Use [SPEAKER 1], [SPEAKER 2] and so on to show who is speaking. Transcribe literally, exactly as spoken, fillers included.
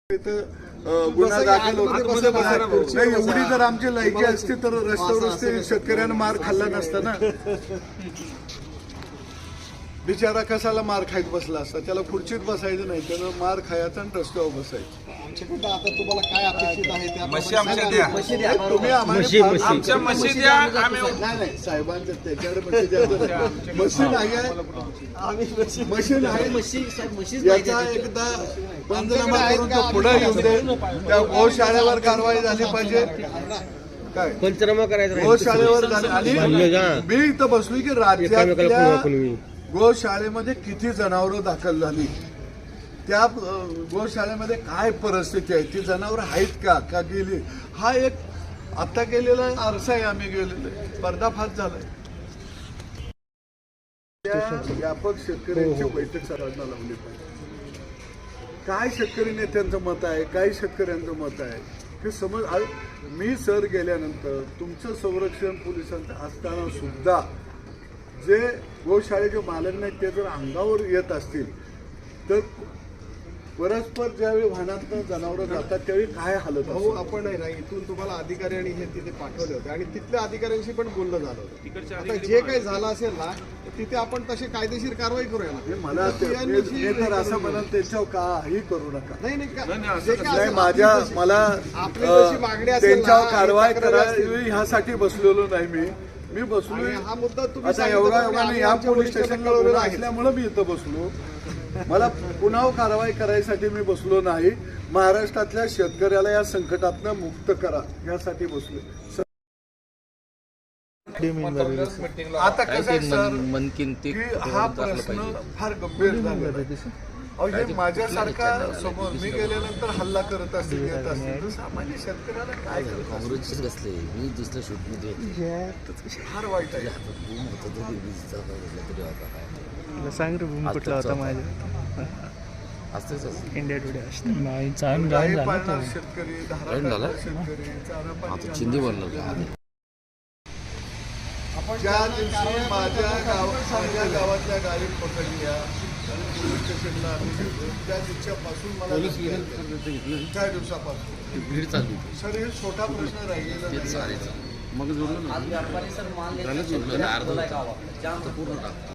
[SPEAKER 1] गुन्हा दाखल होतो नाही. एवढी जर आमची लायकी असती तर रस्त्यावर रस्ते शेतकऱ्यांना मार खाल्ला नसता ना. बिचारा कसाला मार खायत बसला असता. त्याला खुर्चीत बसायचं नाही, त्यानं मार खायचा आणि रस्त्यावर बसायचं.
[SPEAKER 2] आता तुम्हाला काय अपेक्षित आहे त्या
[SPEAKER 3] मशी आमच्या द्या.
[SPEAKER 1] तुम्ही
[SPEAKER 3] आमच्या मशी द्या. आम्ही
[SPEAKER 1] नाही नाही साहेबांचं त्याच्याकडे मशी द्या. मशीन आहे, मशीन आहे. याचा एकदा पंचनामा करून तो पुढे येऊन दे. त्या गोशाळेवर कारवाई झाली पाहिजे. काय
[SPEAKER 4] पंचनामा करायचा
[SPEAKER 1] गोशाळेवर झाली. आणि मी इथं बसलोय की राज्यातल्या गोशाळेमध्ये किती जनावरं दाखल झाली, त्या गोशाळेमध्ये काय परिस्थिती आहे, ती जनावरं आहेत का का गेली, हा एक आता केलेला आरसा आहे. आम्ही गेलेलो पर्दाफाश झालाय. व्यापक शेतकऱ्यांची बैठक सर्वांना लावली पाहिजे. काय शेतकरी नेत्यांचं मत आहे, काय शेतकऱ्यांचं मत आहे हे समज. मी सर गेल्यानंतर तुमचं संरक्षण पोलिसांचं असताना सुद्धा जे गोशाळेचे मालक नाहीत ते जर अंगावर येत असतील तर परस्पर ज्यावेळी वाहनातनं जनावरं जातात त्यावेळी काय हालत
[SPEAKER 2] हो. आपण नाही ना इथून तुम्हाला अधिकारी आणि हे तिथे पाठवले होते आणि तिथल्या अधिकाऱ्यांशी पण बोलणं झालं होतं. आता जे काही झालं असेल ना तिथे आपण तशी कायदेशीर कारवाई करूया ना.
[SPEAKER 1] मला ते तर असं म्हणा त्यांच्यावर काही करू नका.
[SPEAKER 2] नाही नाही
[SPEAKER 1] नाही माझ्या मला त्यांच्यावर कारवाई करावी ह्यासाठी बसलेलो नाही. मी मी बसलो
[SPEAKER 2] हा मुद्दा तुम्ही
[SPEAKER 1] आता एवढा एवढा या पोलीस स्टेशनला गुन्हा असल्यामुळे मी इथं बसलो. मला पुन्हा कारवाई करायसाठी मी बसलो नाही. महाराष्ट्रातल्या शेतकऱ्याला या संकटातनं मुक्त करा यासाठी बसलो. आता कसं आहे सर की हा प्रश्न फार गंभीर झाला. अहो माझ्यासारखा समोर मी गेल्यानंतर हल्ला करत असतील येत असतील तर सामान्य शेतकऱ्याला काय
[SPEAKER 5] काँग्रेसचेच कसले मी दिसलं शूटमध्ये
[SPEAKER 1] फार वाईट आहे.
[SPEAKER 4] सांग रे भूमी कुठला होता माझ्या
[SPEAKER 5] असतेच
[SPEAKER 4] इंडिया टुडे
[SPEAKER 1] शेतकरी
[SPEAKER 5] झाला
[SPEAKER 1] शेतकरी
[SPEAKER 5] आता चिंदी बनलं
[SPEAKER 1] ज्या दिवशी माझ्या गावात माझ्या गावातल्या गाडी पकडल्या पोलीस स्टेशनला आम्ही गेलो त्या दिवसापासून मला त्या दिवसापासून
[SPEAKER 5] भीड चालली
[SPEAKER 1] सर हे छोटा प्रश्न राहिलेला
[SPEAKER 5] मग जोडलं ना अर्ध पूर्ण टाक